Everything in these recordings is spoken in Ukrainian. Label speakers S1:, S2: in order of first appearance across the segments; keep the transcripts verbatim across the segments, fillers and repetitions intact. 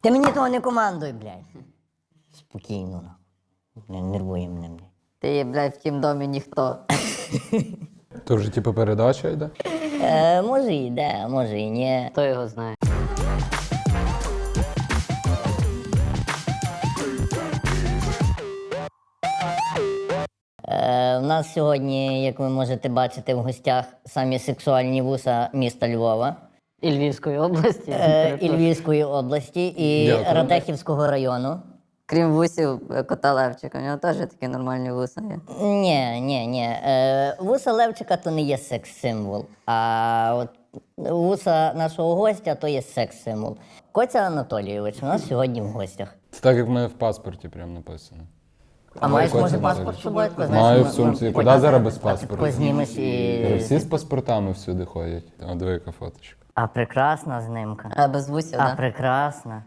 S1: Ти мені того не командуй, блядь. Спокійно, нахуй. Не нервує мене, блядь.
S2: Ти є, блядь, в тім домі ніхто.
S3: То вже типу передача йде?
S1: Е, може і йде, може і ні.
S2: Хто його знає?
S1: Е, у нас сьогодні, як ви можете бачити, в гостях самі сексуальні вуса міста Львова,
S2: І Львівської області.
S1: е, і Львівської області, і
S3: Дякую.
S1: Радехівського району.
S2: Крім вусів е, кота Левчика, у нього теж такі нормальні вуса є.
S1: Ні, ні, ні. Е, вуса Левчика то не є секс-символ, а от вуса нашого гостя то є секс-символ. Коця Анатолійович у нас сьогодні в гостях.
S3: Це так, як в мене в паспорті прям написано.
S1: А маєш,
S3: Коця
S1: може,
S3: Анатолійович.
S1: паспорт з собою? Тако,
S3: Маю
S1: ми-
S3: в сумці.
S1: ми-
S3: Куди
S1: потім-
S3: зараз без
S1: потім
S3: паспорту?
S1: Познімеш і...
S3: Всі з паспортами всюди ходять. О, диви, яка фоточка.
S1: А прекрасна знимка.
S2: А без вусів,
S1: А
S2: так?
S1: прекрасна.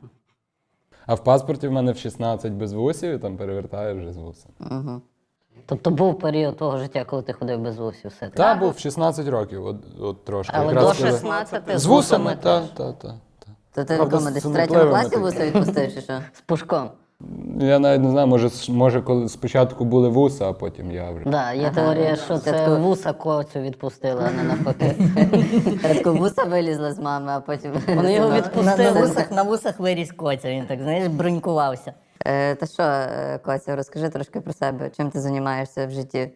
S3: А в паспорті в мене в шістнадцять без вусів, і там перевертаєш вже з вусами.
S2: Угу. Тобто був період твого життя, коли ти ходив без вусів все таки?
S3: Та був в шістнадцять років, от, от трошки.
S2: Але
S3: Якраз
S2: до
S3: коли-
S2: шістнадцяти
S3: З вусами,
S2: теж.
S3: так, так, так.
S2: То ти в
S3: Правда,
S2: якому, десь
S3: з
S2: в третьому
S3: цнотливими
S2: класі
S3: такими.
S2: вуса відпустив, чи що? З пушком.
S3: Я навіть не знаю, може, с- може коли спочатку були вуса, а потім я вже.
S2: Да, є теорія, що це вуса коцю відпустили, а не навпаки. Рядко вуса вилізла з мами, а потім...
S1: Вони його
S2: На-
S1: відпустили. На,
S2: на-
S1: вусах, на вусах виріс Коця, він так, знаєш, бронькувався.
S2: Е, Та що, е, Коця, розкажи трошки про себе. Чим ти займаєшся в житті?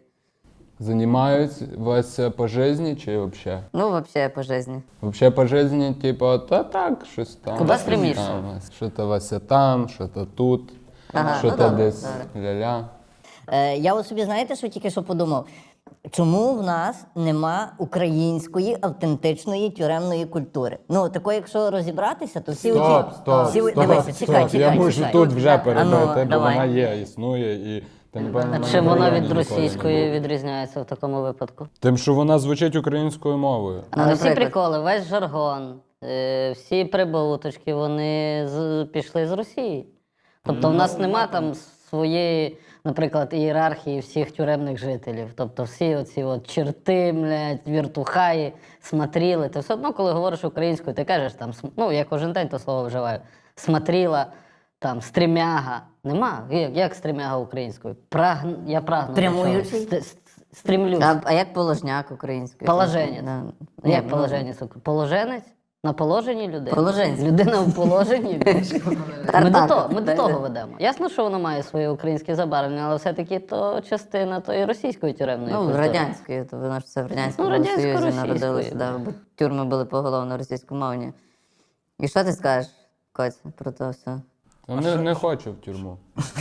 S3: Займаюсь Вася по житті чи взагалі?
S2: Ну, взагалі, по житті.
S3: Вообще по житті, типу, та так, щось там.
S2: Куди
S3: щось
S2: стремишся?
S3: там, Що-то Вася там, що-то тут,
S2: Ага,
S3: що-то
S2: ну добре,
S3: десь ля-ля.
S1: Е, я от собі, знаєте, що тільки що подумав? Чому в нас нема української автентичної тюремної культури? Ну, такої, якщо розібратися, то всі
S3: Стоп,
S1: оці...
S3: стоп,
S1: всі...
S3: стоп,
S1: Дивися,
S3: стоп.
S1: чекай, чекай,
S3: Я можу
S1: чекай.
S3: тут вже перебити,
S1: А ну,
S3: бо
S1: давай.
S3: вона є, існує і... Та, напевно,
S2: А
S3: вона
S2: чим
S3: в
S2: вона
S3: Україні
S2: від
S3: ніколи не
S2: російської
S3: була.
S2: відрізняється в такому випадку?
S3: Тим, що вона звучить українською мовою.
S2: Ну, не всі
S4: наприклад.
S2: приколи, весь жаргон, е, всі прибуточки, вони з, пішли з Росії. Тобто в нас нема там своєї, наприклад, ієрархії всіх тюремних жителів. Тобто всі оці от черти, блядь, віртухаї, смотріли. Ти все одно, коли говориш українською, ти кажеш там, см- ну я кожен день то слово вживаю, смотріла, там, стрімяга. Нема. Як, як стрімяга українською? Прагн... Я прагну. до
S1: Прямуючий?
S2: чогось. Ст- ст- Стрімлюсь.
S4: А, а як положняк українською?
S2: Положенець.
S4: Да.
S2: Як
S4: Ні,
S2: положенець? Положенець? На положенні людини?
S4: Положенець.
S2: Людина в положенні. Ми до
S4: Тартак.
S2: того, ми до того ведемо. Ясно, що воно має своє українське забарвлення, але все-таки то частина тої російської тюремної
S4: Ну,
S2: культури.
S4: радянської, то воно ж все в Радянському
S2: Ну, радянсько-російської,
S4: Союзі народилося,
S2: да.
S4: да, бо тюрми були поголовно російськомовні. І що ти скажеш, Коць, про то все?
S3: Та Не, не хочу в тюрму.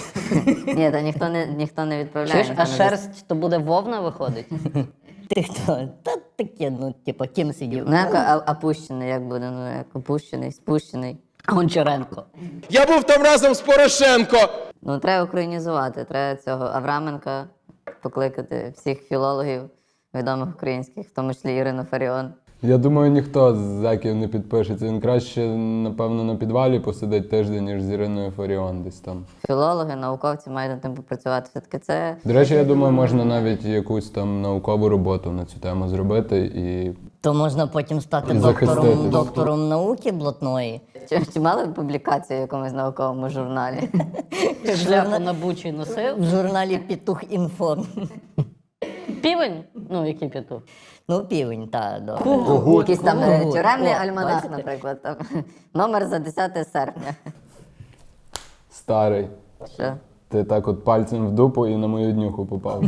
S4: Ні, та ніхто не, ніхто не відправляє.
S2: Чуєш,
S4: ніхто
S2: а
S4: не
S2: шерсть то буде вовна виходить?
S1: Ти хто? Та таке, ну, типу, ким сидів?
S4: Ну, як а- опущений, як буде, ну, як опущений, спущений.
S2: Гончаренко.
S5: Я був там разом з Порошенко.
S4: Ну, треба українізувати, треба цього Авраменка покликати, всіх філологів відомих українських, в тому числі Ірину Фаріон.
S3: Я думаю, ніхто з зеків не підпишеться. Він краще, напевно, на підвалі посидить тиждень, ніж з Іриною Фаріон десь там.
S4: Філологи, науковці мають над тим попрацювати. Все-таки це
S3: До речі, я думаю, можна навіть якусь там наукову роботу на цю тему зробити і
S1: То можна потім стати
S3: І
S1: доктором,
S3: захиститись.
S1: доктором науки блатної.
S4: Чи, чи мали ви публікацію в якомусь науковому журналі?
S2: Шляпу на бучі носив.
S1: В журналі Петух Інфо.
S2: Півень? Ну, який петух?
S1: Ну, півень, так, да.
S4: Якийсь там е,
S1: Ого.
S4: тюремний
S1: О,
S4: альманах,
S1: бачите?
S4: наприклад. Там, номер за десяте серпня.
S3: старий.
S4: Що?
S3: Ти так от пальцем в дупу і на мою днюху попав.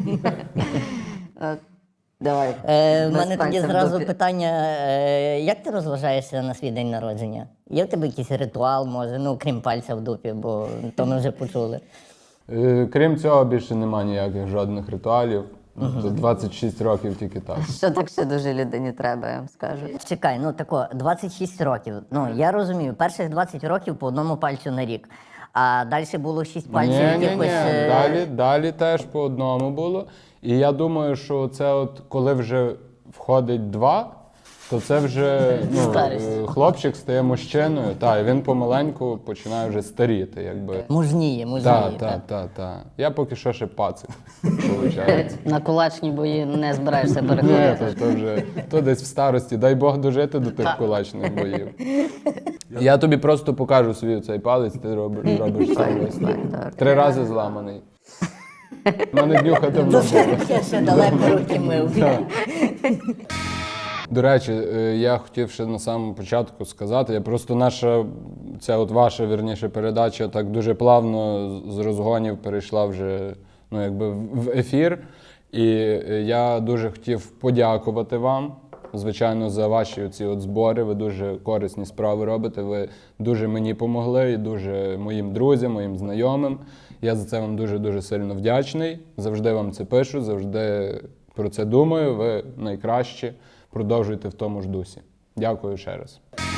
S4: От, давай.
S1: Е, в
S4: Без
S1: мене тоді
S4: пальця в
S1: зразу
S4: дупі.
S1: питання, е, як ти розважаєшся на свій день народження? Є в тебе якийсь ритуал, може, ну, крім пальця в дупі, бо то ми вже почули.
S3: Е, Крім цього, більше нема ніяких жодних ритуалів. За двадцять шість років тільки так.
S4: Що так ще дуже людині треба, я вам скажу.
S1: Чекай, ну тако, двадцять шість років. Ну, я розумію, перших двадцять років по одному пальцю на рік. А далі було шість пальців
S3: Ні, ні, ні.
S1: якихось. е,
S3: Далі, далі теж по одному було. І я думаю, що це от коли вже входить два, то це вже ну,
S2: Старість.
S3: е, хлопчик стає мужчиною, та, і він помаленьку починає вже старіти. Якби.
S1: Мужніє, мужніє.
S3: Так, так, так, так. Я поки що ще пацик, виходить.
S2: На кулачні бої не збираєшся
S3: Ні,
S2: переходити.
S3: то, то вже то десь в старості. Дай Бог дожити до тих кулачних боїв. Я тобі просто покажу свій цей палець, ти робиш, робиш сам весь. Три рази зламаний. У мене днюха давно була.
S1: Я ще далеко руки мив.
S3: До речі, е, я хотів ще на самому початку сказати, я просто наша, ця от ваша, вірніше, передача так дуже плавно з- з розгонів перейшла вже, ну, якби в ефір. І е, я дуже хотів подякувати вам, звичайно, за ваші ці от збори. Ви дуже корисні справи робите, ви дуже мені помогли і дуже моїм друзям, моїм знайомим. Я за це вам дуже-дуже сильно вдячний. Завжди вам це пишу, завжди про це думаю. Ви найкращі. Продовжуйте в тому ж дусі. Дякую ще раз.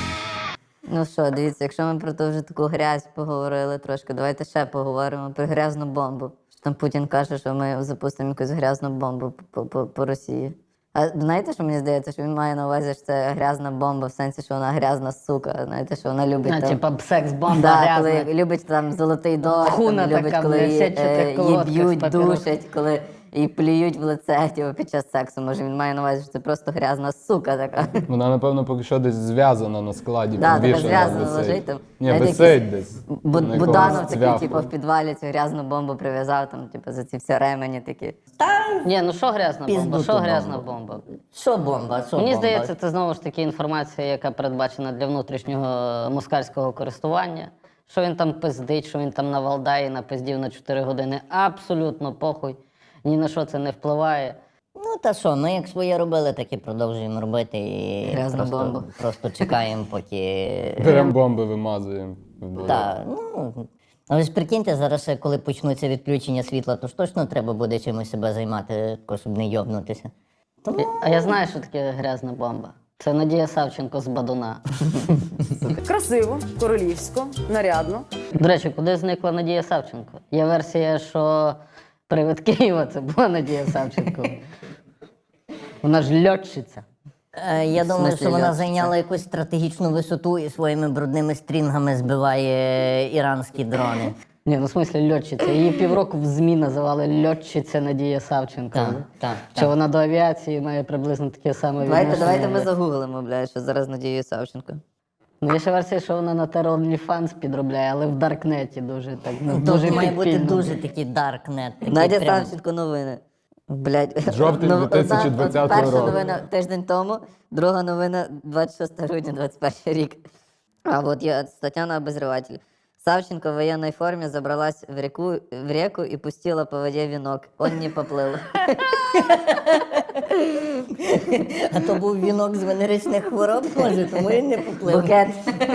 S4: Ну що, дивіться, якщо ми про ту вже таку грязь поговорили трошки, давайте ще поговоримо про грязну бомбу. Що там Путін каже, що ми запустимо якусь грязну бомбу по, по, по Росії. А знаєте, що мені здається, що він має на увазі, що це грязна бомба, в сенсі, що вона грязна сука. Знаєте, що вона любить
S2: А,
S4: там...
S2: типа секс-бомба
S4: Да,
S2: грязна.
S4: коли любить там золотий дощ,
S2: Хуна
S4: там, любить,
S2: така,
S4: коли
S2: бля,
S4: її,
S2: сядь, що ти
S4: е, її
S2: колодка з
S4: б'ють,
S2: папірос.
S4: душать, коли її плюють в лице типу, під час сексу. Може він має на увазі, що це просто грязна сука така.
S3: Вона, напевно, поки що десь зв'язана на складі,
S4: Да, така
S3: підвішена,
S4: зв'язана
S3: висить.
S4: лежить там.
S3: Ні,
S4: Знаєте,
S3: висить
S4: якийсь
S3: десь.
S4: Бу-
S3: на
S4: Буданов
S3: якомусь
S4: такий,
S3: цвяху.
S4: типу, в підвалі цю грязну бомбу прив'язав, там, типу, за ці всі ремені такі.
S2: Ні, ну що грязна бомба?
S1: Піздуту
S2: Що грязна
S1: бомбу.
S2: бомба?
S1: Що бомба? Що
S2: Мені
S1: бомба?
S2: здається, це знову ж таки інформація, яка передбачена для внутрішнього москальського користування. Що він там пиздить, що він там на Валдаї напиздів на чотири години. Абсолютно похуй. Ні на що це не впливає.
S1: Ну та що, ми як своє робили, так і продовжуємо робити. І
S4: Грязну
S1: просто,
S4: бомбу.
S1: просто чекаємо, поки.
S3: Беремо бомби, вимазуємо. в болото.
S1: Так, ну. Але ж прикиньте, зараз ще коли почнуться відключення світла, то ж точно треба буде чимось себе займати, тако, щоб не йобнутися.
S2: А я знаю, що таке грязна бомба. Це Надія Савченко з Бадуна.
S6: Красиво, королівсько, нарядно.
S2: До речі, куди зникла Надія Савченко? Є версія, що привид Києва це була Надія Савченко. Вона ж льотчиця.
S1: Е, Я думаю,
S4: смислі
S1: що вона
S4: льотчиця?
S1: зайняла якусь стратегічну висоту і своїми брудними стрінгами збиває іранські дрони.
S2: Ні, ну в смислі льотчиця. Її півроку в ЗМІ називали льотчиця Надія Савченко.
S1: Так, так,
S2: Що
S1: так.
S2: вона до авіації має приблизно таке саме
S4: Давайте,
S2: відношення.
S4: давайте ми загуглимо, блядь, що зараз Надією Савченко.
S2: Ну, є ще версія, що вона на Terror OnlyFans підробляє, але в Даркнеті дуже так. Ну,
S1: Тобто
S2: дуже
S1: має бути
S2: підпільно.
S1: дуже такий даркнет. такий
S4: Надя
S1: прям-
S4: Савченко новини. Блядь.
S3: Жовтень
S4: Ну,
S3: дві тисячі
S4: одна-
S3: двадцятого
S4: Перша
S3: року.
S4: новина тиждень тому, друга новина двадцять шостого грудня двадцять перший рік. А от є стаття на обозревателі. Савченко в военной форме забралась в реку, в реку и пустила по воде венок. Он не поплыл.
S1: А то був вінок з венеричних хвороб, може, тому і не поплив.
S4: Букет.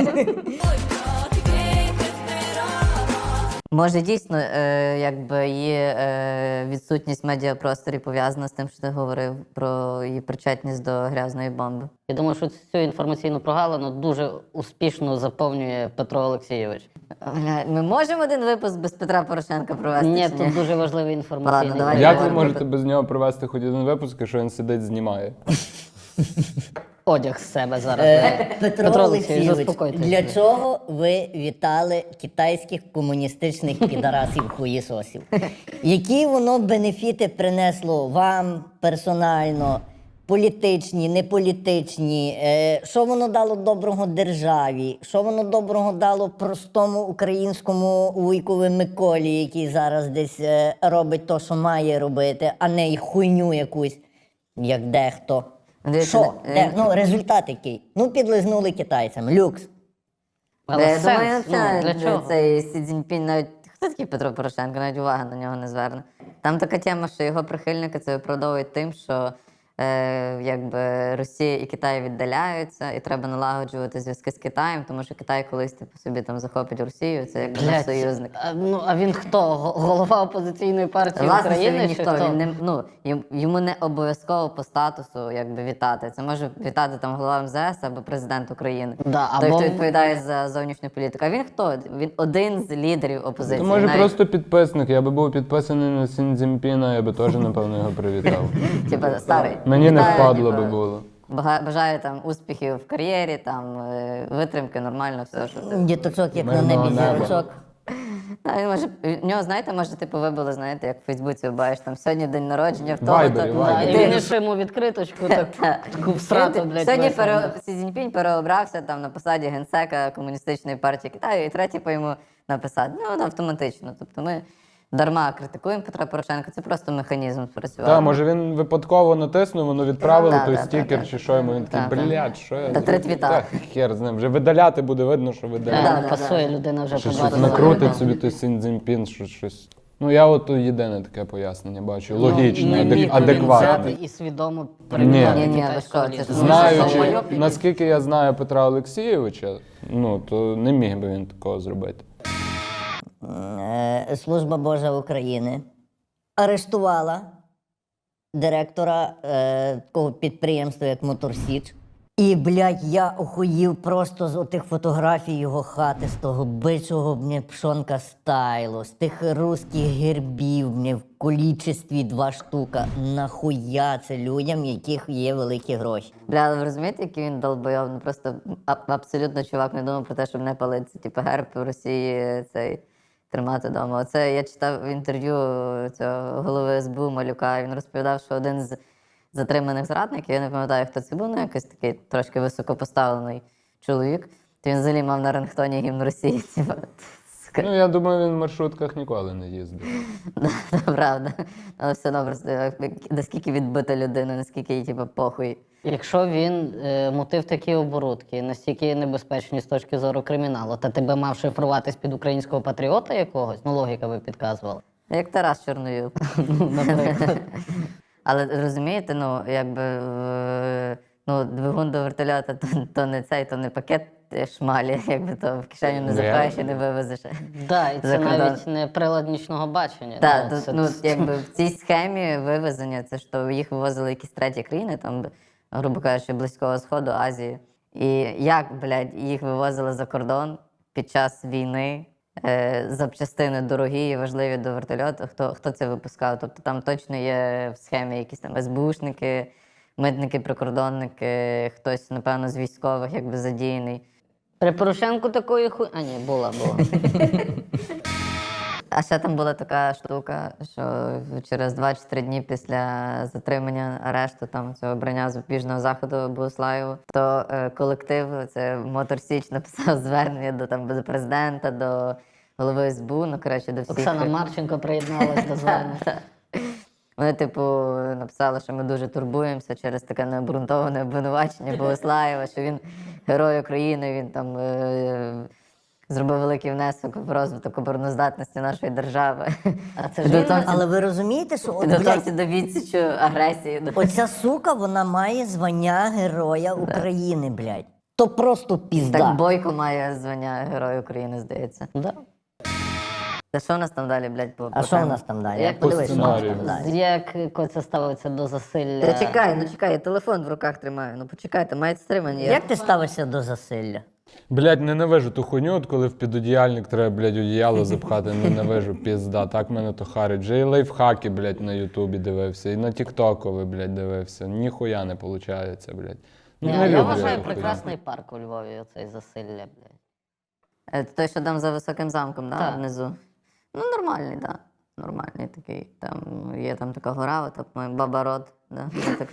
S4: Може, дійсно, е, якби її е, відсутність в медіапросторі пов'язана з тим, що ти говорив про її причетність до грязної бомби.
S2: Я думаю, що цю інформаційну прогалину дуже успішно заповнює Петро Олексійович.
S4: Бля, ми можемо один випуск без Петра Порошенка провести?
S2: Ні,
S4: чи
S2: тут дуже важливий інформаційний.
S4: Ладно, давай.
S3: Як ви
S4: Давай.
S3: можете без нього провести хоч один випуск, якщо він сидить, знімає?
S2: Одяг з себе зараз.
S1: Е, Петро,
S2: Петро Олексійович,
S1: Олексійович,
S2: заспокойтесь.
S1: для чого ви вітали китайських комуністичних підарасів хуєсосів? Які воно бенефіти принесло вам персонально, політичні, неполітичні? Е, Що воно дало доброго державі? Що воно доброго дало простому українському вуйкові Миколі, який зараз десь е, робить те, що має робити, а не й хуйню якусь, як дехто?
S4: Дивіться,
S1: Що?
S4: е,
S1: Де? Ну, результат який? Ну, підлизнули китайцям. Люкс.
S2: Але
S4: Я думаю,
S2: сенс, ну,
S4: взагалі,
S2: для чого?
S4: цей Сі Цзіньпінь навіть. Хто такий Петро Порошенко? Навіть уваги на нього не зверне. Там така тема, що його прихильники це виправдовують тим, що е, якби Росія і Китай віддаляються, і треба налагоджувати зв'язки з Китаєм, тому що Китай колись типу, собі там захопить Росію, це якби наш
S2: Блядь,
S4: союзник.
S2: а, ну, а він хто? Го- Голова опозиційної партії
S4: Власне, що
S2: України?
S4: він
S2: чи
S4: ніхто,
S2: хто?
S4: він не ну йому- йому не обов'язково по статусу якби вітати. Це може вітати там голова Ем Зе Ес або президент України.
S2: Да,
S4: Той,
S2: або-
S4: хто відповідає за зовнішню політику. А він хто? Він один з лідерів опозиції.
S3: То може
S4: Навіть,
S3: просто підписник. Я би був підписаний на Сін Цзіньпіна, я би теж, напевно, його привітав.
S4: типа, старий.
S3: Мені не
S4: Вітаю,
S3: впадло
S4: типа,
S3: би було.
S4: Бага- Бажаю там успіхів в кар'єрі, там е, витримки, нормально, все, що ти.
S1: Діточок, як на
S3: Мирного
S1: небі
S3: неба.
S1: зірочок.
S4: Та, він може, в нього, знаєте, може, типу, вибили, знаєте, як в Фейсбуці бачиш, там сьогодні день народження, в того,
S3: Вайбері,
S4: то-
S3: Вайбері.
S2: І
S4: Ти-
S2: він ще йому відкриточку, так, таку всрату, блядь,
S4: Сьогодні
S2: весело.
S4: пере... Сі Цзіньпінь переобрався там на посаді генсека Комуністичної партії Китаю, і третє по йому написати. Ну, автоматично. Тобто ми дарма критикуємо Петра Порошенка, це просто механізм спрацював.
S3: Так, може він випадково натиснув, воно відправило
S4: Да,
S3: той
S4: да,
S3: стікер
S4: да,
S3: чи
S4: да.
S3: що йому. Він
S4: Да,
S3: такий,
S4: да.
S3: блядь, що я
S4: Та
S3: зробив?»
S4: третвіта.
S3: Та хер з ним. Вже видаляти буде видно, що
S2: Да,
S3: видаляти.
S4: Да, да,
S2: пасує,
S4: да.
S2: людина вже
S3: Що щось
S2: побачила.
S3: накрутить собі той Сін Цзіньпін, що щось. Ну я от єдине таке пояснення бачу. Логічне,
S2: Ну, не
S3: адек-
S2: міг він взяти
S3: адекватне.
S2: і свідомо
S3: Ні.
S2: перейняти
S4: Ні, ні, ви
S2: китайську
S4: що, це
S2: еліту.
S4: ж
S3: Знаючи, наскільки я знаю Петра Олексійовича, ну то не міг би він такого зробити.
S1: Е, Служба Божа України арештувала директора е, такого підприємства, як Моторсіч. І, блядь, я охуїв просто з отих фотографій його хати, з того бичого мені пшонка стайлу, з тих русських гербів мені в колічестві два штука. Нахуя це людям, яких є великі гроші?
S4: Бля, але ви розумієте, який він долбойов? Ну просто а- абсолютно чувак не думав про те, щоб не палити. Типу герб в Росії цей тримати вдома. Оце я читав інтерв'ю цього голови ес бе у Малюка, і він розповідав, що один з затриманих зрадників, я не пам'ятаю, хто це був, ну якийсь такий трошки високопоставлений чоловік, то він взагалі мав на рингтоні гімн Росії. Типу, сука.
S3: Ну я думаю, він в маршрутках ніколи не їздив.
S4: Це правда. Але все одно просто як- наскільки відбита людина, наскільки їй типу, похуй.
S2: Якщо він е, мотив такі оборудки, настільки небезпечні з точки зору криміналу, та тебе мав шифруватись під українського патріота якогось, ну логіка би підказувала.
S4: Як Тарас Чорноюк. Але розумієте, ну якби е, ну, двигун до вертольота то, то не цей, то не пакет шмалі, якби то в кишеню не
S3: Ну,
S4: запхаєш
S3: я-
S4: і не вивезеш.
S2: Да, і
S4: За
S2: це
S4: кордон.
S2: навіть не прилад нічного бачення.
S4: Так,
S2: да,
S4: то,
S2: це-
S4: ну якби в цій схемі вивезення, це ж то їх вивозили якісь треті країни, там, грубо кажучи, Близького Сходу, Азії. І як, блядь, їх вивозили за кордон під час війни, е, запчастини дорогі і важливі до вертольоту, хто, хто це випускав? Тобто там точно є в схемі якісь там ес бе ушники, митники, прикордонники, хтось, напевно, з військових якби задіяний.
S2: При Порошенку такої хуй... А ні, була, була.
S4: А ще там була така штука, що через два чи три дні після затримання арешту там цього обрання запобіжного заходу Богуслаєву, то е, колектив, це Мотор Січ, написав звернення до там до президента, до голови ес бе у, ну коротше, до всіх.
S2: Оксана Марченко приєдналась до звернення.
S4: Вони, типу, написали, що ми дуже турбуємося через таке необґрунтоване обвинувачення Богуслаєва, що він герой України, він там е, зробив великий внесок в розвиток обороноздатності нашої держави.
S2: А це ж він
S4: Підготовці-
S1: Але ви розумієте, що от,
S4: Підготовці
S1: блядь,
S4: до відсічу агресії.
S1: оця сука, вона має звання Героя України, блядь. То просто пізда.
S4: Так Бойко має звання Герой України, здається.
S2: Да.
S4: Та що у нас там далі, блядь, по
S1: А
S4: по
S1: що в
S4: темам?
S1: нас там далі?
S2: Як
S1: Подивись,
S3: по
S1: що в нас
S3: сценарію?
S1: там далі.
S2: Як Коця ставиться до засилля?
S4: Та чекай, ну чекай, я телефон в руках тримаю. Ну почекайте, мають стримані.
S1: Як ти ставишся до засилля?
S3: Блядь, ненавижу ту хуйню, от коли в підодіяльник треба, блядь, одіяло запхати, ненавижу, пізда, так мене то харить. Вже і лайфхаки, блядь, на Ютубі дивився, і на Тіктокові, блядь, дивився. Ніхуя не виходить, блядь. Ну,
S2: Ні,
S3: не
S2: я
S3: люблю
S2: вважаю
S3: ту хуйню.
S2: прекрасний парк у Львові, оцей засилля, блядь.
S4: Е, Той, що там за високим замком, да,
S2: Так.
S4: внизу. Ну, нормальний, так. Да. Нормальний такий. Там є там така гора, от, по-моєму, Баба Род. Да, є така.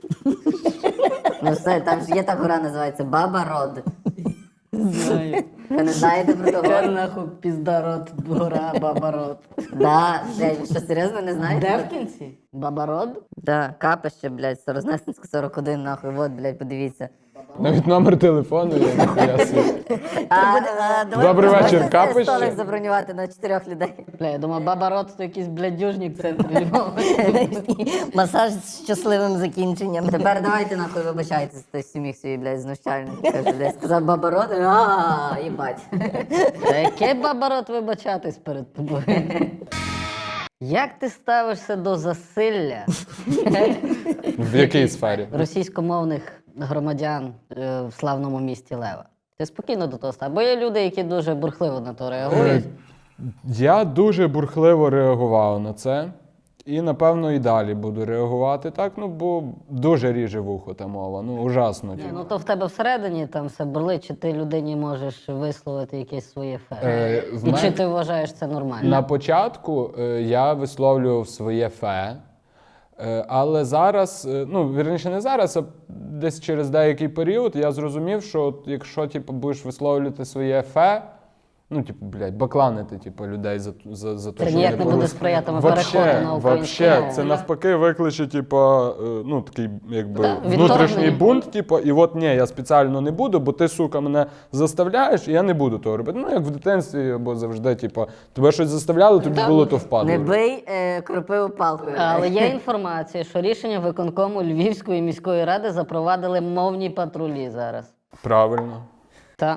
S4: Ну все, там ж є та гора, називається Баба Род.
S2: Знаю.
S4: Ви не знаєте про того?
S2: нахуй піздарот, гора, бабарот.
S4: Да, блядь, ви що, серйозно не знаєте?
S2: Де в кінці? Бабарот?
S4: Да, капище, блядь, Старознесенська сорок один, нахуй, вот, блядь, подивіться.
S3: Навіть номер телефону є, ніхуя собі.
S4: А,
S1: а, давай
S3: Добрий вечір,
S4: можете
S3: капище?
S4: столик забронювати на чотирьох людей.
S2: Бля, я думаю, Бабарот то якийсь блядюжник в центрі Львова.
S1: Масаж з щасливим закінченням.
S4: Тепер давайте нахуй вибачайтеся, той сміх свій, блядь, знущальний. Каже, блядь, сказав Баба Род, а їбать.
S2: Та яке Бабарот вибачатись перед тобою? Як ти ставишся до засилля
S3: В якій сфері?
S2: російськомовних громадян е, в славному місті Лева? Ти спокійно до того ставиш? Бо є люди, які дуже бурхливо на то реагують.
S3: Я дуже бурхливо реагував на це. І, напевно, і далі буду реагувати так, ну, бо дуже ріже вухо та мова, ну, ужасно.
S2: Ні,
S3: типу.
S2: ну то в тебе всередині там все бурлить, чи ти людині можеш висловити якесь своє фе.
S3: Е, в
S2: І
S3: мен-
S2: чи ти вважаєш це нормально?
S3: На початку е, я висловлював своє фе, е, але зараз, е, ну, вірніше, не зараз, а десь через деякий період я зрозумів, що от якщо типу, будеш висловлювати своє фе, ну, типу, блядь, бакланити типу, людей за, за, за те,
S2: Це
S3: що
S2: ніяк
S3: вони
S2: не буде
S3: порушують.
S2: сприятиме
S3: Вообще,
S2: переходу на українську
S3: вообще,
S2: мову.
S3: це навпаки викличе, типу, е, ну, такий, якби,
S2: Да,
S3: внутрішній
S2: відторгнення.
S3: бунт, типу, і от ні, я спеціально не буду, бо ти, сука, мене заставляєш, і я не буду того робити. Ну, як в дитинстві, або завжди, типу, тебе щось заставляли, тобі було то впадло.
S4: Не бий е, кропиву палкою.
S2: Але є інформація, що рішення виконкому Львівської міської ради запровадили мовні патрулі зараз.
S3: Правильно.
S2: Так.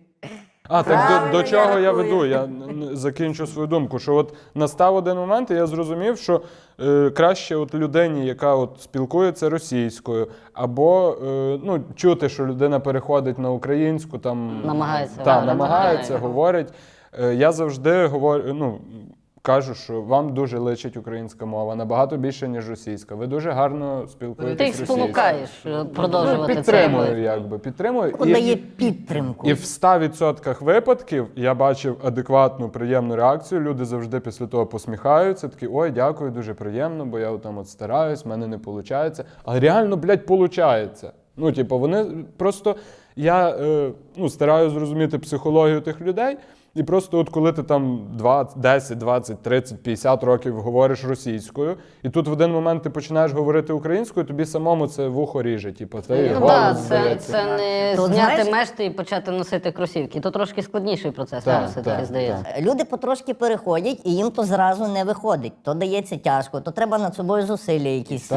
S3: А, так
S4: Правильно,
S3: до, до чого
S4: я
S3: я
S4: рахую.
S3: веду? Я н- н- закінчу свою думку, що от настав один момент, і я зрозумів, що е, краще от людині, яка от спілкується російською, або е, ну, чути, що людина переходить на українську, там
S2: Намагається
S3: та,
S2: говорити.
S3: намагається,
S2: Ага.
S3: говорить. Е, я завжди говорю, ну. Кажу, що вам дуже личить українська мова, набагато більше, ніж російська. Ви дуже гарно спілкуєтесь
S2: Ти їх
S3: російською.
S2: спонукаєш е, продовжувати це
S3: Підтримую,
S2: робити.
S3: якби, підтримую.
S1: Дає підтримку.
S3: І в ста відсотках випадків я бачив адекватну, приємну реакцію. Люди завжди після того посміхаються, такі, ой, дякую, дуже приємно, бо я там от стараюсь, в мене не виходить. А реально, блядь, виходить. Ну, типу, вони просто, я е, ну, стараюсь зрозуміти психологію тих людей, і просто от коли ти там двадцять, десять, двадцять, тридцять, п'ятдесят років говориш російською, і тут в один момент ти починаєш говорити українською, тобі самому це вухо ріже. Типу, це і
S2: Ну
S3: голос
S2: так, це,
S3: здається.
S2: це не
S1: То,
S2: зняти
S1: знаєш-
S2: мешти і почати носити кросівки. То трошки складніший процес,
S3: Так,
S2: мені все-таки
S3: так,
S2: здається.
S1: Люди потрошки переходять, і їм то зразу не виходить. То дається тяжко, то треба над собою зусилля якісь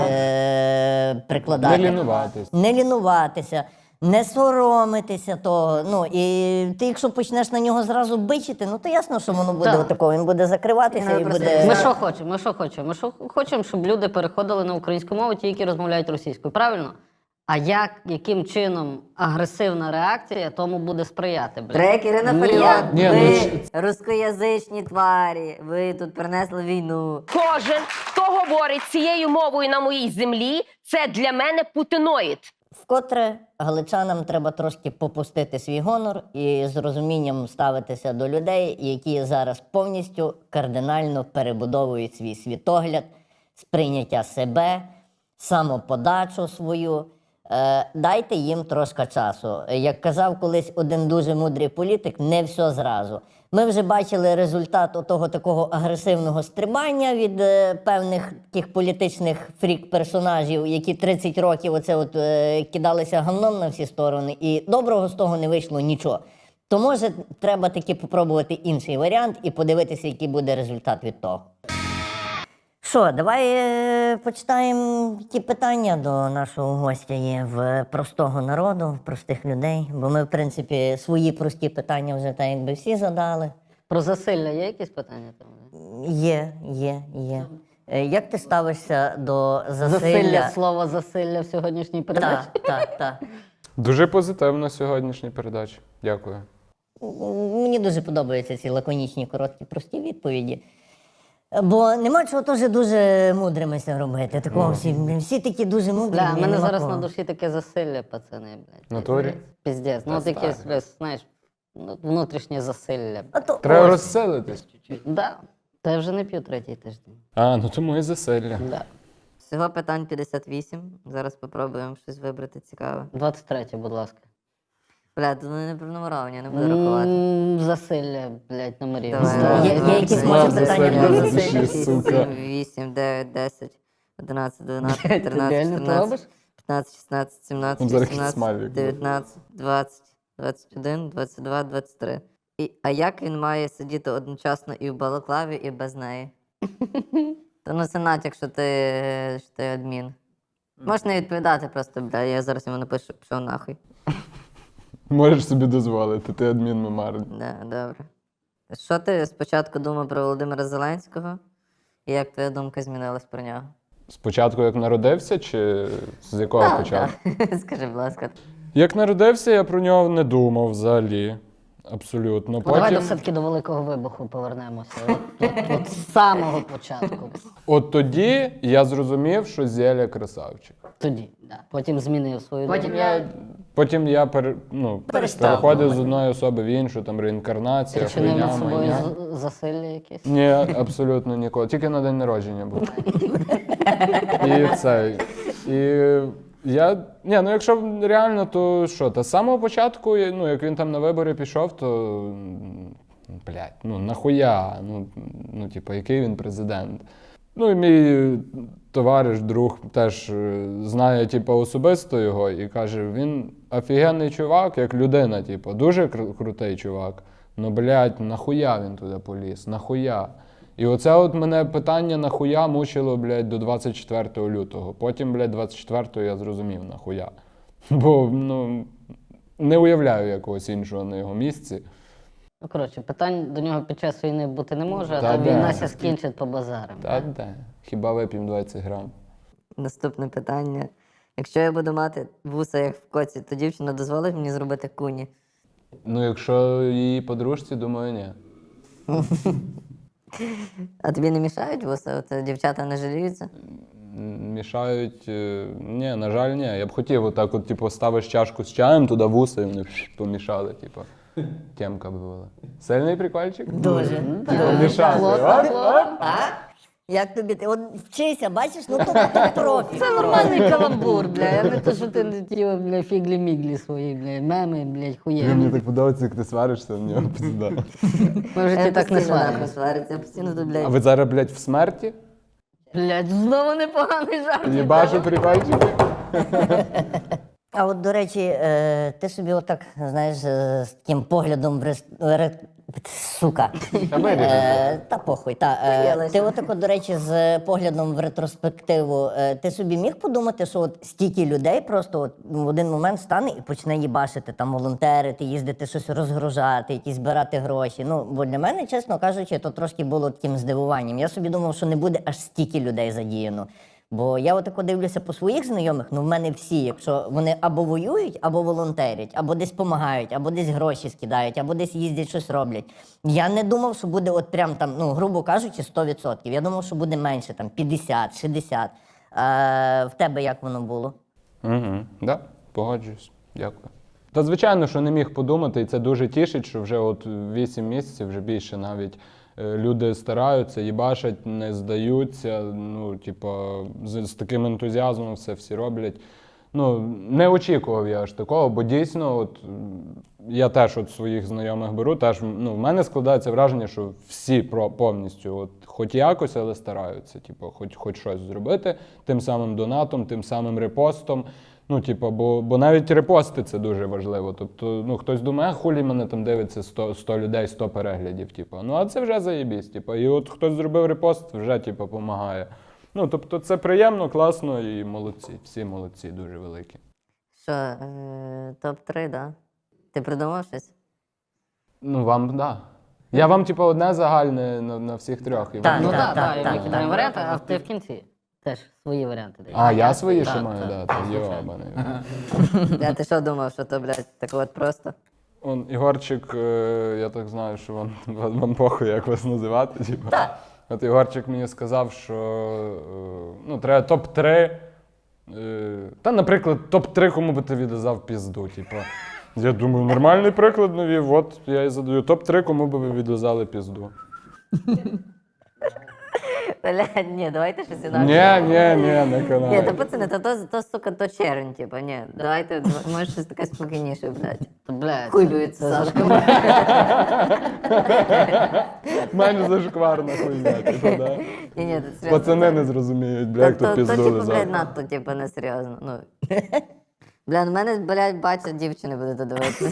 S1: е- прикладати.
S3: Не лінуватись.
S1: Не лінуватися, не соромитися того. Ну, і ти, якщо почнеш на нього зразу бичити, ну то ясно, що воно буде
S2: Так.
S1: отако, він буде закриватися
S4: Ну,
S1: і
S4: просто-
S1: буде.
S2: Ми що хочемо? Ми що хочемо? Ми що хочемо, щоб люди переходили на українську мову, ті, які розмовляють російською. Правильно? А як, яким чином агресивна реакція тому буде сприяти? блядь?
S4: Трек Ірина
S2: Ні.
S4: Фаріон.
S3: Ні, ну,
S4: Ви
S3: ч-
S4: рускоязичні тварі, ви тут принесли війну.
S7: Кожен, хто говорить цією мовою на моїй землі, це для мене путиноїд.
S1: Вкотре галичанам треба трошки попустити свій гонор і з розумінням ставитися до людей, які зараз повністю кардинально перебудовують свій світогляд, сприйняття себе, самоподачу свою. Е, дайте їм трошки часу. Як казав колись один дуже мудрий політик, не все зразу. Ми вже бачили результат того такого агресивного стрибання від е, певних таких політичних фрік-персонажів, які тридцять років оце от, е, кидалися гамном на всі сторони, і доброго з того не вийшло нічого. То може треба таки попробувати інший варіант і подивитися, який буде результат від того. Що, давай е, почитаємо ті питання до нашого гостя є в простого народу, в простих людей. Бо ми, в принципі, свої прості питання вже так якби всі задали.
S2: Про засилля є якісь питання? Там?
S1: Є, є, є. Е, Як ти ставишся до
S2: Засилля,
S1: засилля?
S2: слово засилля в сьогоднішній передачі.
S1: Так, так, так.
S3: Дуже позитивна сьогоднішня передача. Дякую.
S1: Мені дуже подобаються ці лаконічні, короткі, прості відповіді. Бо нема чого теж дуже мудрими це робити. Такого всі, всі такі дуже мудрі.
S2: Бля, в
S1: блін,
S2: мене
S1: нема
S2: зараз
S1: кого.
S2: на душі таке засилля, пацани, блядь.
S3: В натурі?
S2: Піздець. Ну, от якесь, блядь, знаєш, ну, внутрішнє засилля.
S1: А то
S3: Треба
S1: ось.
S3: розселитись.
S2: Да. Та я вже не п'ю третій тиждень.
S3: А, ну тому і засилля.
S2: Да.
S4: Всього питань п'ятдесят вісім. Зараз спробуємо щось вибрати цікаве.
S2: двадцять третє, будь ласка.
S4: Бля, тут вони не пронумеровані, я не буду рахувати.
S2: М, Засилля, блядь, номерів.
S4: Давай.
S1: Є- є якісь,
S3: Знав
S1: може, питання
S3: засилля
S1: до
S3: на
S1: засилля?
S3: душі, сука.
S4: вісім, дев'ять, десять, одинадцять, дванадцять,
S2: Ти
S4: тринадцять,
S2: реально це робиш?
S4: чотирнадцять, п'ятнадцять, шістнадцять, сімнадцять,
S3: Там зараз якийсь
S4: вісімнадцять,
S3: смайлик буде.
S4: дев'ятнадцять, двадцять, двадцять один, двадцять два, двадцять три. І, а як він має сидіти одночасно і в балаклаві, і без неї? Та ну це натяк, що ти, що ти адмін. Можеш не відповідати просто, бля, я зараз йому напишу, пішов нахуй.
S3: Можеш собі дозволити, ти адмін мемарний.
S4: Да, добре. Що ти спочатку думав про Володимира Зеленського? І як твоя думка змінилась про нього?
S3: Спочатку як народився, чи з якого початку?
S4: Так. Скажи, будь ласка.
S3: Як народився, я про нього не думав взагалі. Абсолютно.
S2: Ну, давайте
S3: Потім,
S2: все-таки до Великого Вибуху повернемося. От, от, от з самого початку.
S3: от тоді я зрозумів, що Зеля красавчик.
S2: Тоді, да. Потім змінив свою
S1: Потім
S2: думку.
S1: я
S3: Потім я пер, ну,
S1: Перестав
S3: переходив з
S1: думати.
S3: одної особи в іншу, там реінкарнація,
S2: Чи не
S3: хуйня,
S2: над собою
S3: майня.
S2: з- засилля якесь?
S3: Ні, абсолютно ніколи. Тільки на день народження був. І це. І я. Ні, ну якщо реально, то що? Та з самого початку, ну як він там на вибори пішов, то. м, Блядь, ну нахуя? Ну, ну типу, який він президент? Ну і мій товариш, друг теж е, знає, типу, особисто його і каже, він офігенний чувак, як людина, типу, дуже кру- крутий чувак. Ну, блядь, нахуя він туди поліз? Нахуя? І оце от мене питання нахуя мучило, блядь, до двадцять четвертого лютого. Потім, блядь, двадцять четвертого я зрозумів нахуя. Бо, ну, не уявляю якогось іншого на його місці.
S2: Ну, коротше, питань до нього під час війни бути не може, а
S3: Та
S2: то
S3: де?
S2: війна ся скінчить по базарам.
S3: Та де? Хіба вип'ємо двадцять грам?
S4: Наступне питання. Якщо я буду мати вуса, як в коці, то дівчина дозволить мені зробити куні?
S3: Ну, якщо її подружці, думаю, ні.
S4: А тобі не мішають вуса? От дівчата не жаліються?
S3: М, Мішають. е, Ні, на жаль, ні. Я б хотів отак, от, типу, ставиш чашку з чаєм, туди вуса, і вони пш, помішали, типу. Тємка би була. Сильний прикольчик?
S1: дуже.
S3: Помішати. Оп, оп.
S1: А? Як тобі? Ти от вчися, бачиш, ну то, то профі.
S2: Це нормальний каламбур, бля. Я не то, що ти не ті, бля, фіглі-міглі свої, бля, меми, блядь, хуєві.
S3: Мені так подобається, як ти сваришся в нього, пізда.
S2: Ми в житті
S4: Я
S2: так не
S4: постійно нахуй
S2: сваримося.
S4: свариться, я постійно тут,
S3: А
S4: блядь.
S3: ви зараз, блядь, в смерті?
S2: Блядь, знову непоганий жарт.
S3: Їбашу прикольчики?
S1: А от, до речі, е, ти собі отак, знаєш, е, з таким поглядом в рес... ре- Сука.
S3: Та виріжемо.
S1: Е, Та похуй, та. Е,
S4: Приїлася.
S1: Ти отак, от, до речі, з поглядом в ретроспективу, е, ти собі міг подумати, що от стільки людей просто от в один момент стане і почне їбашити, там волонтерити, їздити щось розгружати, якісь збирати гроші. Ну, бо для мене, чесно кажучи, то трошки було таким здивуванням. Я собі думав, що не буде аж стільки людей задіяно. Бо я отако дивлюся по своїх знайомих, ну в мене всі, якщо вони або воюють, або волонтерять, або десь допомагають, або десь гроші скидають, або десь їздять, щось роблять. Я не думав, що буде от прям там, ну, грубо кажучи, сто відсотків. Я думав, що буде менше, там п'ятдесят, шістдесят. А, в тебе як воно було?
S3: Угу, да, погоджуюсь. Дякую. Та звичайно, що не міг подумати, і це дуже тішить, що вже от вісім місяців, вже більше навіть е, люди стараються, їбашать, не здаються. Ну, типу, з, з таким ентузіазмом все всі роблять. Ну, не очікував я аж такого, бо дійсно, от м, я теж от своїх знайомих беру, теж ну, в мене складається враження, що всі про повністю, от, хоч якось, але стараються, типу, хоч, хоч щось зробити, тим самим донатом, тим самим репостом. Ну, типу, бо, бо навіть репости це дуже важливо. Тобто, ну, хтось думає, а хулі мене там дивиться сто, сто людей, сто переглядів. Типу. Ну, а це вже заєбісь. Типу. І от хтось зробив репост, вже типу, допомагає. Ну, тобто, це приємно, класно і молодці. Всі молодці, дуже великі.
S4: Що, е, топ три, да? Ти придумав щось?
S3: Ну, вам, так. Да. Я вам, типу, одне загальне на, на всіх трьох. І
S1: Так,
S3: вам-
S2: Ну
S1: так,
S2: так,
S1: так,
S2: так,
S1: так,
S2: ми
S1: так.
S2: кидаємо варіанти, а ти в кінці теж свої варіанти даєш.
S3: А, я свої ще
S2: Так,
S3: маю,
S2: так.
S3: да, то йобаний.
S4: Я ти що думав, що то, блядь, так от просто?
S3: Он, Ігорчик, е, я так знаю, що вам, вам, вам похуй, як вас називати. Типу. От Ігорчик мені сказав, що е, ну, треба топ три. Е, та, наприклад, топ три, кому би ти віддав пізду. Типу. Я думаю, нормальний приклад навів, от я і задаю. топ три, кому би ви відв'язали пізду.
S4: Блядь, ні, давайте щось інакше.
S3: Ні, ні, ні, не
S4: Ні,
S3: канає.
S4: то пацани, то, то, то, сука, то червень, типу, ні. Давайте, може щось таке спокійніше, блядь.
S2: То, блядь,
S4: Хуй дується, Сашка.
S3: Менш зашкварна хуйня, типу, да?
S4: Ні, ні, це серйозно.
S3: Пацани не зрозуміють, бля, як
S4: то,
S3: то
S4: то,
S3: пізду
S4: типу, блядь,
S3: лизав.
S4: надто, типу, несерйозно. Ну. Бля, на мене, блядь, бачать, дівчини будуть додивитися.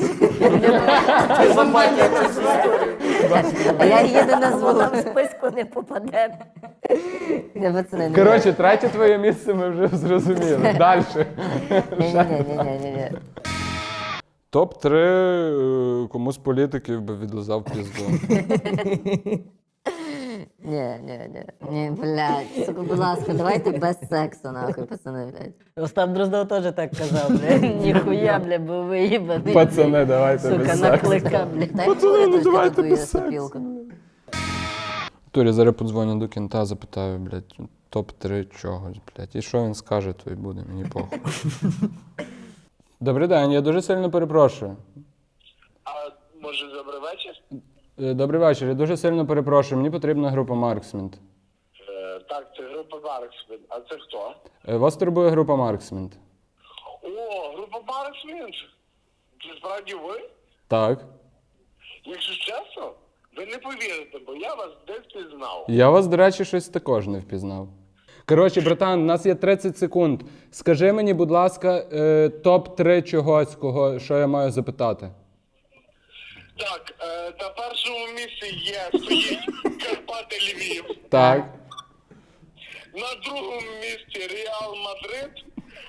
S4: А я їду на звук.
S1: Вона в списку не попаде.
S4: Ні, пацани, ні.
S3: Коротше, третє твоє місце ми вже зрозуміли. Далі.
S4: Ні-ні-ні-ні-ні.
S3: топ три кому з політиків би відлизав пізду.
S4: Ні, ні, ні. Ні, блядь. Сука, будь ласка, давайте без сексу, нахуй, пацани, блядь.
S2: Остап Дроздов теж так казав, бля. Ніхуя, бля, бо виїбаний.
S3: Пацани, давайте
S2: Сука,
S3: без сексу.
S2: наклика, бля.
S4: Дай мені трошки ту твою сопілку.
S3: Турі, зараз подзвоню до кінта, запитаю, блядь, топ три чогось, блядь. І що він скаже, то й буде, мені похуй. Добрий день, я дуже сильно перепрошую.
S8: А може добрий вечір?
S3: Е, Добрий вечір, я дуже сильно перепрошую, мені потрібна група Марксмент.
S8: Е, так, це група Марксмен. А це хто?
S3: Е, Вас турбує група Марксмент?
S8: О, група Марксмен. Це справді ви?
S3: Так.
S8: Якщо чесно, ви не повірите, бо я вас десь пізнав.
S3: Я вас, до речі, щось також не впізнав. Коротше, братан, у нас є тридцять секунд. Скажи мені, будь ласка, е, топ три чогось, кого, що я маю запитати.
S8: Так, е, на першому місці є стоїть Карпати Львів.
S3: Так.
S8: На другому місці Реал Мадрид.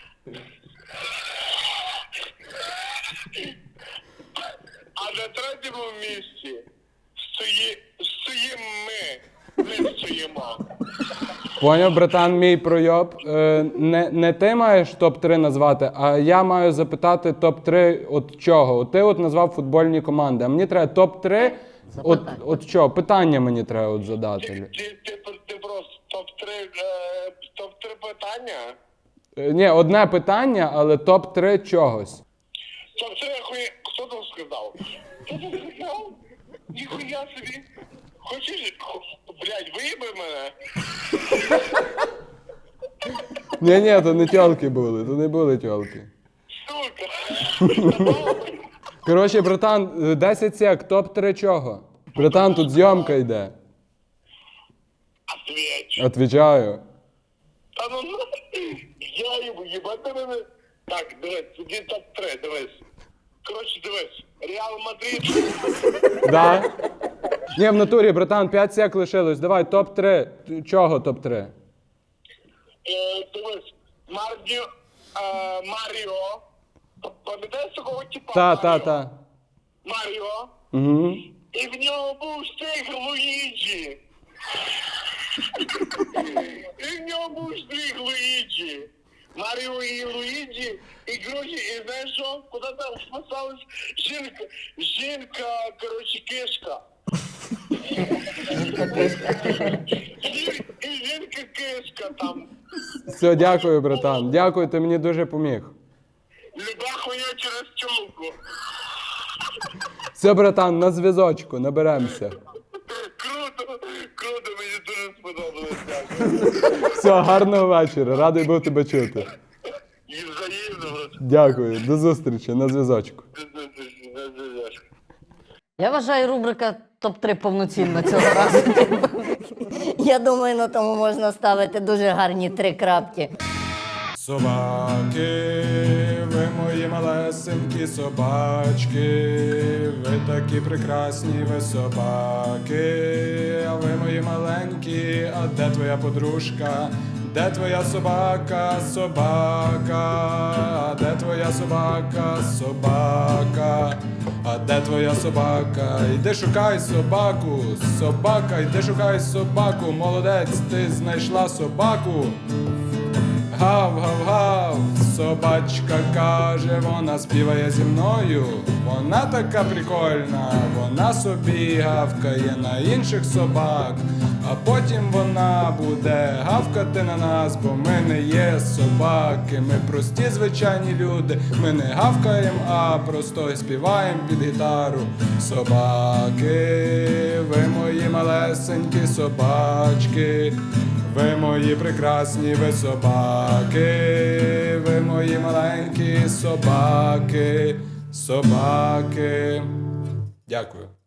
S8: А на третьому місці стої, стоїмо ми. Ми стоїмо.
S3: Поняв, братан, мій пройоб. Е, не, не ти маєш топ три назвати, а я маю запитати топ три от чого. От ти от назвав футбольні команди, а мені треба топ три. От, от що? Питання мені треба от задати.
S8: Ти, ти, ти, ти просто топ-три е, топ-три питання?
S3: Е, ні, одне питання, але топ три чогось.
S8: Топ-три хуй... Хто там сказав? Хто там сказав? Ніхуя собі. Хочеш... Хо- Блядь, виїби мене?
S3: Ні, ні, то не тьолки були, то не були тьолки.
S8: Сука.
S3: Коротше, братан, е, десять сек, топ три чого? Братан, тут зйомка йде.
S8: Ответь.
S3: Отвічаю.
S8: Та ну ну. Я їбу, їбати мене. Так, дивись, тоді топ-три, дивись. Коротше, дивись. Реал Мадрид.
S3: Да? Ні, в натурі, братан, п'ять сек лишилось. Давай, топ три. Чого топ три?
S8: Е, дивись. Марніо... Е, Маріо. Пам'ятаєш такого типа?
S3: Та, та,
S8: Маріо?
S3: та.
S8: Маріо.
S3: Угу.
S8: І в нього був стиг Луїджі. І в нього був стиг Луїджі. Маріо і Луїджі. І, коротше, і знаєш що? Куди там вписалась жінка, жінка, коротше, кишка. І, і жінка кишка там.
S3: Все, дякую, братан. Дякую, ти мені дуже поміг.
S8: Люба хуйня через тьолку.
S3: Все, братан, на зв'язочку, наберемося.
S8: Круто, круто, мені дуже сподобалось. Дякую.
S3: Все, гарного вечора. Радий був тебе чути.
S8: І взаємно.
S3: Дякую, до зустрічі, на зв'язочку.
S2: Я вважаю, рубрика топ три повноцінна цього разу.
S1: Я думаю, на тому можна ставити дуже гарні три крапки.
S9: Собаки, ви мої малесенькі собачки, ви такі прекрасні, ви собаки, а ви мої маленькі, а де твоя подружка? Де твоя собака, собака? А де твоя собака, собака? А де твоя собака? Йди шукай собаку, собака, йди шукай собаку, молодець, ти знайшла собаку. Гав-гав-гав, собачка каже, вона співає зі мною. Вона така прикольна, вона собі гавкає на інших собак. А потім вона буде гавкати на нас, бо ми не є собаки. Ми прості звичайні люди, ми не гавкаємо, а просто співаємо під гітару. Собаки, ви мої малесенькі собачки. Ви мої прекрасні, ви собаки, ви мої маленькі собаки, собаки. Дякую.